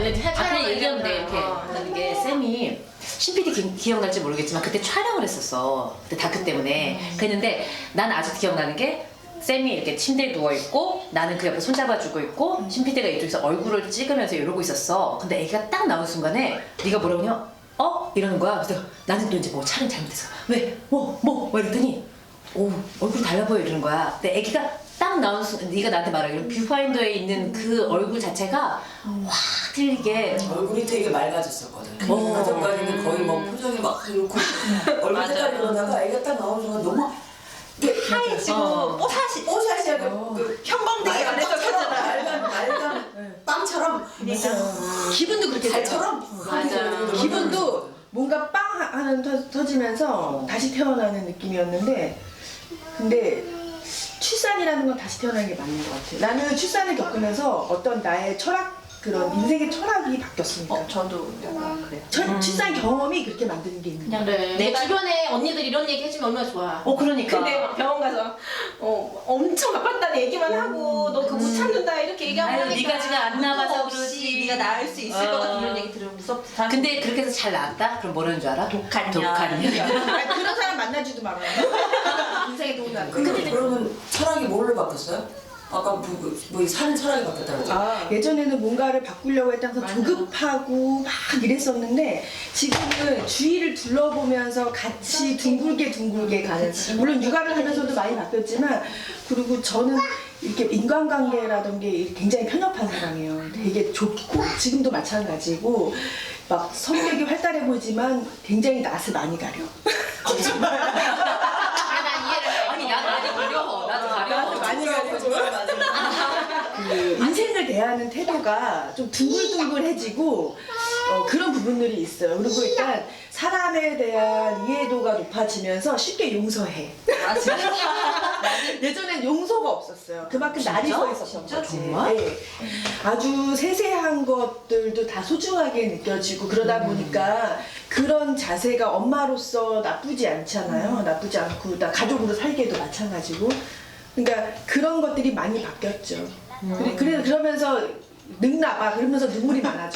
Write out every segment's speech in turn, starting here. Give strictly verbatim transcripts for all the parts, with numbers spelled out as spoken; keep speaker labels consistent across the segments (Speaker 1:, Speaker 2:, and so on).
Speaker 1: 앞에 얘기했는데 이렇게
Speaker 2: 어.
Speaker 1: 이게 쌤이 신피디 기, 기억날지 모르겠지만 그때 촬영을 했었어. 그때 다크 때문에.
Speaker 2: 음.
Speaker 1: 그랬는데 난 아직 기억나는 게 쌤이 이렇게 침대에 누워있고 나는 그 옆에 손잡아주고 있고 신피디가 이쪽에서 얼굴을 찍으면서 이러고 있었어. 근데 애기가 딱 나온 순간에 네가 뭐라고 하냐? 어? 이러는 거야. 그래서 내가 나는 또 이제 뭐 촬영 잘못했어. 왜? 뭐? 뭐? 뭐 이랬더니 오 얼굴이 달라 보여 이러는 거야. 근데 애기가 딱 나온 순간 네가 나한테 말하기로 뷰파인더에 있는 그 얼굴 자체가 확 틀리게
Speaker 3: 얼굴이 되게 맑아졌었거든.
Speaker 1: 어.
Speaker 3: 그 전까지는 거의 뭐 표정이 막 이렇고 얼굴 색깔이 그러다가 애가 딱 나오는 순간 너무
Speaker 2: 하얘지고
Speaker 1: 어.
Speaker 2: 뽀사시
Speaker 3: 뽀샤시 약간
Speaker 2: 어.
Speaker 3: 그
Speaker 2: 형광등이 안에서
Speaker 3: 빵처럼
Speaker 2: 펴잖아.
Speaker 3: 맑은 맑은 빵처럼
Speaker 2: 기분도 그렇게
Speaker 3: 달처럼
Speaker 1: 맞아.
Speaker 2: 기분도 뭔가 빵 하는 터, 터지면서 다시 태어나는 느낌이었는데 근데 출산이라는 건 다시 태어나는 게 맞는 것 같아요. 나는 출산을 겪으면서 어떤 나의 철학 그런 인생의 철학이 바뀌었으니까.
Speaker 4: 어, 저도 약간 그래요.
Speaker 2: 철-
Speaker 1: 음.
Speaker 2: 출산 경험이 그렇게 만드는 게 있는 거야.
Speaker 4: 그래.
Speaker 1: 내가-
Speaker 4: 내 주변에 언니들 이런 얘기 해주면 얼마나 좋아.
Speaker 1: 어 그러니까
Speaker 4: 근데 막 병원 가서 어, 엄청 아팠다는 얘기만 하고 너 그거 못 참는다 이렇게 얘기하면
Speaker 1: 아유,
Speaker 4: 하니까
Speaker 1: 네가 지금 안 나가서
Speaker 4: 없이
Speaker 1: 그러지.
Speaker 4: 네가 나을 수 있을
Speaker 1: 어.
Speaker 4: 것 같은 이런 얘기 들으면 무섭다.
Speaker 1: 근데 그렇게 해서 잘 나왔다? 그럼 뭐라는 줄 알아?
Speaker 4: 독한 년.
Speaker 1: 독한 년.
Speaker 2: 아니, 그런 사람 만나지도 말아요. 인생에 도움이 안 돼.
Speaker 3: 근데 그러면 철학이 뭘로 바뀌었어요? 아까 뭐, 뭐 사는 철학이 바뀌었다고 그랬죠?
Speaker 2: 아, 예전에는 뭔가를 바꾸려고 했다가
Speaker 4: 맞아.
Speaker 2: 조급하고 막 이랬었는데 지금은 주위를 둘러보면서 같이 둥글게 둥글게 가는 물론 육아를 하면서도 많이 바뀌었지만 그리고 저는 이렇게 인간관계라든지 굉장히 편협한 사람이에요. 되게 좁고 지금도 마찬가지고 막 성격이 활달해 보이지만 굉장히 낯을 많이 가려.
Speaker 4: 아, 난 이해를 해.
Speaker 1: 아니 나도 많이 가려. 나도 가려.
Speaker 2: 많이 가려. 그 인생을 대하는 태도가 좀 둥글둥글해지고 어, 그런 부분들이 있어요. 그리고 일단 사람에 대한 이해도가 높아지면서 쉽게 용서해.
Speaker 4: 아, 진짜?
Speaker 2: 예전엔 용서가 없었어요. 그만큼 날이
Speaker 1: 진짜?
Speaker 2: 서 있었던
Speaker 1: 진짜?
Speaker 2: 거지.
Speaker 1: 정말?
Speaker 2: 네. 아주 세세한 것들도 다 소중하게 느껴지고 그러다
Speaker 1: 음.
Speaker 2: 보니까 그런 자세가 엄마로서 나쁘지 않잖아요.
Speaker 1: 음.
Speaker 2: 나쁘지 않고 나 가족으로 살기에도 마찬가지고. 그러니까 그런 것들이 많이 바뀌었죠.
Speaker 1: 음.
Speaker 2: 그래, 그래 그러면서 늙나 봐. 그러면서 눈물이 많아져.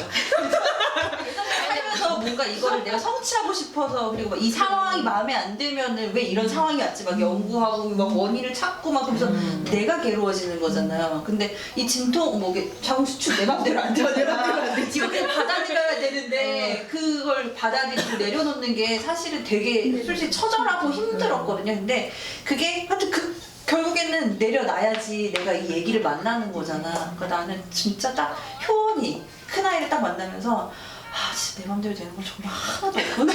Speaker 4: 살면서 뭔가 이거를 내가 성취하고 싶어서 그리고 막이 상황이 마음에 안 들면은 왜 이런 상황이 왔지 막 연구하고 막 원인을 찾고 막 그러면서 내가 괴로워지는 거잖아요. 근데 이 진통 뭐 이게 자궁수축 내 맘대로 안 되잖아.
Speaker 2: 내 맘대로 안 되지.
Speaker 4: 이거 그냥 받아들여야 되는데 그걸 받아들이고 내려놓는 게 사실은 되게 솔직히 처절하고 힘들었거든요. 근데 그게 하여튼 그 결국에는 내려놔야지 내가 이 얘기를 만나는 거잖아. 그러니까 나는 진짜 딱 효원이 큰아이를 딱 만나면서 아 진짜 내 맘대로 되는 건 정말 하나도 없구나.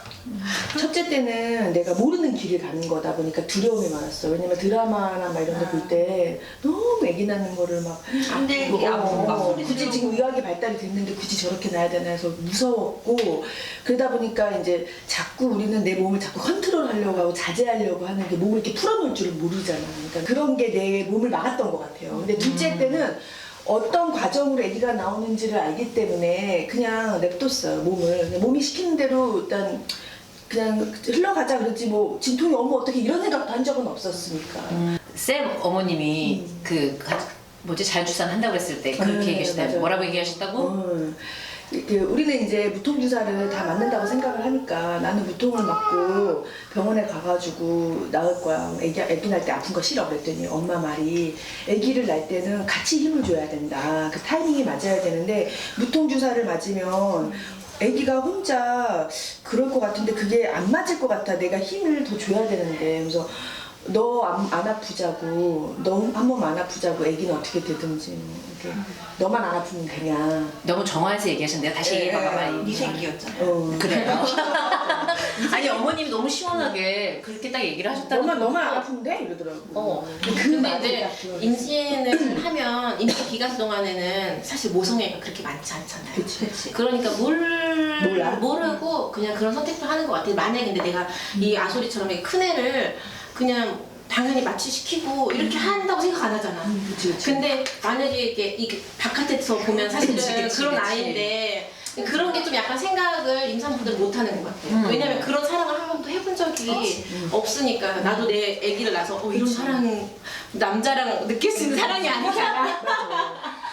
Speaker 2: 첫째 때는 내가 모르는 길을 가는 거다 보니까 두려움이 많았어. 왜냐면 드라마나 막 이런 데 볼 때 너무 애기 낳는 거를 막
Speaker 4: 힘들게 아프고 막
Speaker 2: 어,
Speaker 4: 소리
Speaker 2: 굳이
Speaker 4: 지르고.
Speaker 2: 지금 의학이 발달이 됐는데 굳이 저렇게 낳아야 되나 해서 무서웠고 그러다 보니까 이제 자꾸 우리는 내 몸을 자꾸 컨트롤하려고 하고 자제하려고 하는 게 몸을 이렇게 풀어놓을 줄은 모르잖아. 그러니까 그런 게 내 몸을 막았던 것 같아요. 근데 둘째 때는 어떤 과정으로 아기가 나오는지를 알기 때문에 그냥 냅뒀어요, 몸을. 그냥 몸이 시키는 대로 일단 그냥 흘러가자 그러지 뭐 진통이 오면 어떻게 이런 생각도 한 적은 없었으니까.
Speaker 1: 쌤 어머님이 그 가- 뭐지 자율출산 한다고 했을 때 그렇게
Speaker 2: 네,
Speaker 1: 얘기하셨다고
Speaker 2: 맞아요.
Speaker 1: 뭐라고 얘기하셨다고?
Speaker 2: 어, 그 우리는 이제 무통주사를 다 맞는다고 생각을 하니까 나는 무통을 맞고 병원에 가가지고 낳을 거야. 애기, 애기 낳을 때 아픈 거 싫어 그랬더니 엄마 말이 애기를 낳을 때는 같이 힘을 줘야 된다. 그 타이밍이 맞아야 되는데 무통주사를 맞으면 애기가 혼자 그럴 것 같은데 그게 안 맞을 것 같아. 내가 힘을 더 줘야 되는데. 그래서 너 안 안 아프자고, 너 한 번 안 아프자고 애기는 어떻게 되든지 뭐 이렇게 너만 안 아프면 되냐.
Speaker 1: 너무 정화해서 얘기하셨는데요. 다시
Speaker 2: 예,
Speaker 1: 얘기해봐봐
Speaker 2: 예.
Speaker 1: 빨리.
Speaker 4: 네 새끼였잖아.
Speaker 2: 어.
Speaker 1: 그래요? 아니 어머님 너무 시원하게 그렇게 딱 얘기를 하셨다고.
Speaker 2: 너만 너만 안 아프면 돼 이러더라고.
Speaker 4: 어.
Speaker 2: 그
Speaker 5: 근데
Speaker 2: 말이
Speaker 5: 이제
Speaker 2: 딱 들어요.
Speaker 5: 임신을 하면 임신 기간 동안에는 사실 모성애가 그렇게 많지 않잖아요.
Speaker 2: 그치.
Speaker 4: 그치.
Speaker 5: 그러니까 뭘
Speaker 2: 몰라?
Speaker 5: 모르고 그냥 그런 선택도 하는 것 같아요. 만약에 근데 내가 이 아소리처럼 이큰 애를 그냥 당연히 마취시키고 이렇게 한다고 생각 안 하잖아.
Speaker 2: 음, 그치 그치.
Speaker 5: 근데 만약에 이게, 이게 바깥에서 보면 사실은
Speaker 1: 그치, 그치,
Speaker 5: 그런
Speaker 1: 그치.
Speaker 5: 아이인데 그런 게 좀 약간 생각을 임산부들 못 하는 것 같아요.
Speaker 1: 음.
Speaker 5: 왜냐면 그런 사랑을 한 번도 해본 적이 없으니까 나도 내 아기를 낳아서 어, 이런 사랑 남자랑 느낄 수 있는 사랑이 아니잖아.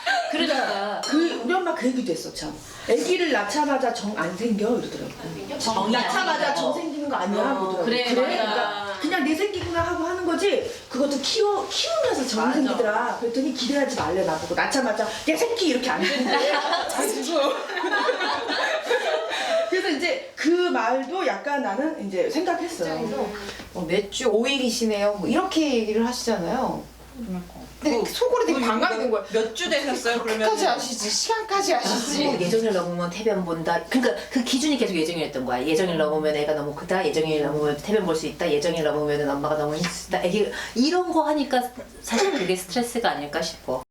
Speaker 1: 그러니까
Speaker 2: 그 우리 엄마 그 얘기도 했어 참. 아기를 낳자마자 정 안 생겨 이러더라고.
Speaker 1: 정이 안
Speaker 2: 낳자마자
Speaker 1: 생겨.
Speaker 2: 정 생기는 거 아니야
Speaker 5: 어,
Speaker 2: 그러더라고.
Speaker 5: 그래, 맞아.
Speaker 2: 그러니까 그냥 내 생기구나 하고 하는 거지. 그것도 키워 키우면서 정이
Speaker 5: 맞아.
Speaker 2: 생기더라. 그랬더니 기대하지 말래 나보고 낳자마자 내 새끼 이렇게 안 되는데. 그래서 이제 그 말도 약간 나는 이제 생각했어.
Speaker 6: 어, 몇 주 오 일이시네요. 뭐 이렇게 얘기를 하시잖아요. 근데 속으로 되게 반감이 된 거야.
Speaker 4: 몇 주 되셨어요 그러면?
Speaker 6: 끝까지 아시지, 시간까지 아시지.
Speaker 1: 뭐 예정일 넘으면 태변 본다. 그러니까 그 기준이 계속 예정이었던 거야. 예정일 넘으면 애가 너무 크다. 예정일 넘으면 태변 볼 수 있다. 예정일 넘으면 엄마가 너무 힘쓰다. 애기 이런 거 하니까 사실 그게 스트레스가 아닐까 싶어.